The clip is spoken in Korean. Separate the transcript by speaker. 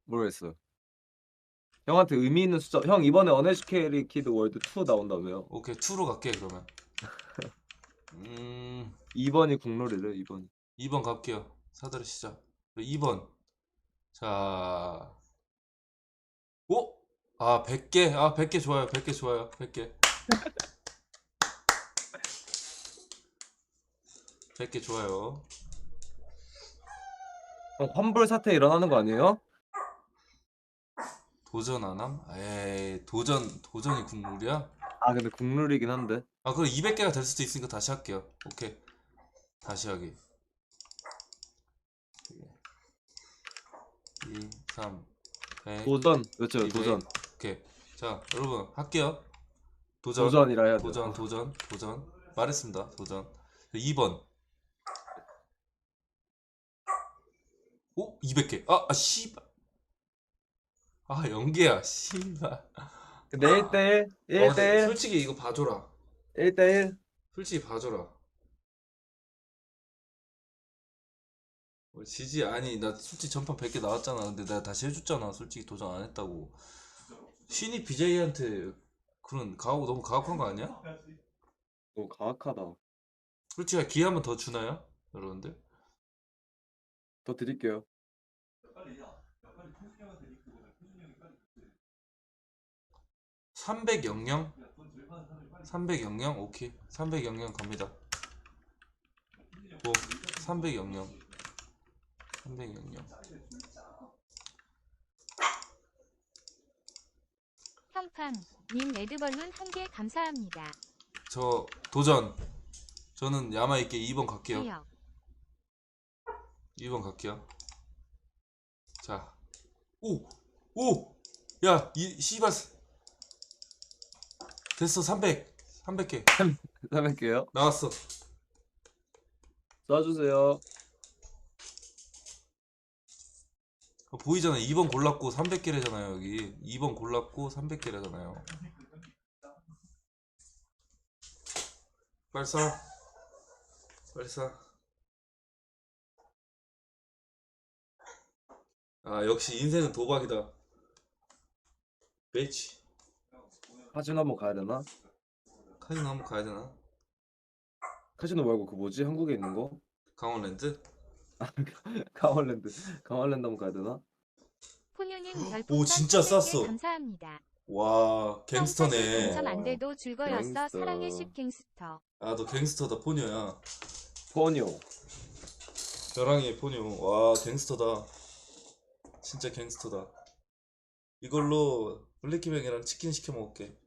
Speaker 1: 모르겠어요. 형한테 의미 있는 숫자. 형 이번에 어네시케리 키드 월드 2 나온다며요.
Speaker 2: 오케이 2로 갈게 그러면.
Speaker 1: 2번이 국룰이래 2번.
Speaker 2: 2번 갈게요. 사다리 시작. 2번. 자. 오? 아 100개. 아 100개 좋아요. 100개 좋아요. 100개. 100개 좋아요.
Speaker 1: 형 환불 사태 일어나는 거 아니에요?
Speaker 2: 도전 안 함? 에이 도전이 국룰이야?
Speaker 1: 아 근데 국룰이긴 한데.
Speaker 2: 아 그럼 200개가 될 수도 있으니까 다시 할게요. 오케이. 다시 하기. 2, 3, 100.
Speaker 1: 도전 외쳐요
Speaker 2: 200.
Speaker 1: 도전.
Speaker 2: 오케이. 자 여러분 할게요. 도전.
Speaker 1: 도전이라 해야 돼요.
Speaker 2: 도전. 말했습니다. 도전. 2번. 오? 200개. 씨발. 아, 연계야. 씨발.
Speaker 1: 근데 1대1
Speaker 2: 근데
Speaker 1: 1대1
Speaker 2: 솔직히 이거 봐줘라.
Speaker 1: 1대1
Speaker 2: 솔직히 봐줘라. 지지 아니 나 솔직히 전판 100개 나왔잖아. 근데 내가 다시 해줬잖아. 솔직히 도전 안 했다고. 신이 BJ한테 그런 너무 가혹한 거 아니야?
Speaker 1: 너무 가악하다.
Speaker 2: 솔직히 기회 한번 더 주나요? 여러분들?
Speaker 1: 더 드릴게요.
Speaker 2: 300 300 오케이. 300 갑니다. 고 300 300
Speaker 3: 형팡님 레드벌룬 1개 감사합니다.
Speaker 2: 저 도전. 저는 야마있게 2번 갈게요.
Speaker 3: 해요.
Speaker 2: 2번 갈게요. 자. 오! 야, 씨발. 됐어. 300개.
Speaker 1: 300개요?
Speaker 2: 나왔어.
Speaker 1: 쏴주세요.
Speaker 2: 보이잖아요. 2번 골랐고 300개래잖아요, 여기. 2번 골랐고 300개래잖아요. 빨리 쏴. 아, 역시 인생은 도박이다. 매치.
Speaker 1: 카지노 한번 가야 되나?
Speaker 2: 카지노 한번 가야 되나?
Speaker 1: 카지노 말고 그 뭐지? 한국에 있는 거?
Speaker 2: 강원랜드?
Speaker 1: 강원랜드 한번 가야 되나?
Speaker 3: 포유님
Speaker 2: 오,
Speaker 3: 별풍선
Speaker 2: 진짜
Speaker 3: 300개
Speaker 2: 쌌어.
Speaker 3: 감사합니다.
Speaker 2: 와, 갱스터네.
Speaker 3: 당첨 안 돼도 줄거였어.
Speaker 1: 갱스터.
Speaker 3: 사랑의 10 갱스터.
Speaker 2: 아, 너 갱스터다, 포뇨야.
Speaker 1: 포뇨.
Speaker 2: 벼랑이의 포뇨. 와, 갱스터다. 진짜 갱스터다. 이걸로 블랙키뱅이랑 치킨 시켜 먹을게.